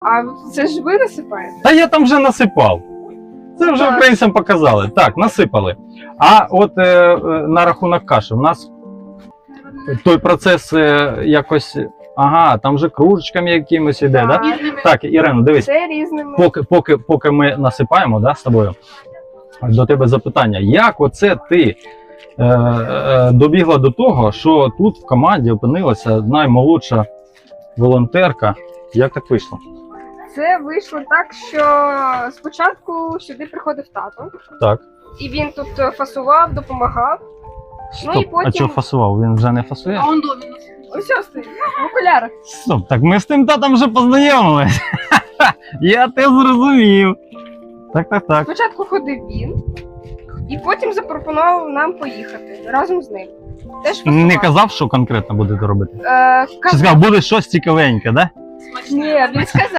А це ж ви насипаєте? Та я там вже насипав. Це вже Так. українцям показали. Так, насипали. А от на рахунок каші, у нас той процес якось. Ага, там же кружечками якимось іде, Так. да? Так, Ірина, дивись, Це різними. поки ми насипаємо, да, з тобою, до тебе запитання. Як оце ти добігла до того, що тут в команді опинилася наймолодша волонтерка? Як так вийшло? Це вийшло так, що спочатку сюди приходив тато, Так. і він тут фасував, допомагав. Ну і Стоп, а потім- чого фасував? Він вже не фасує? А он домінус. Ось стоїть, в окулярах. Стоп, так ми з тим татом вже познайомились. Я те зрозумів. Так. Спочатку ходив він, і потім запропонував нам поїхати разом з ним. Теж фасував. Не казав, що конкретно будете робити? Чи Казав. сказав, буде щось цікавеньке, да? Ні, він сказав.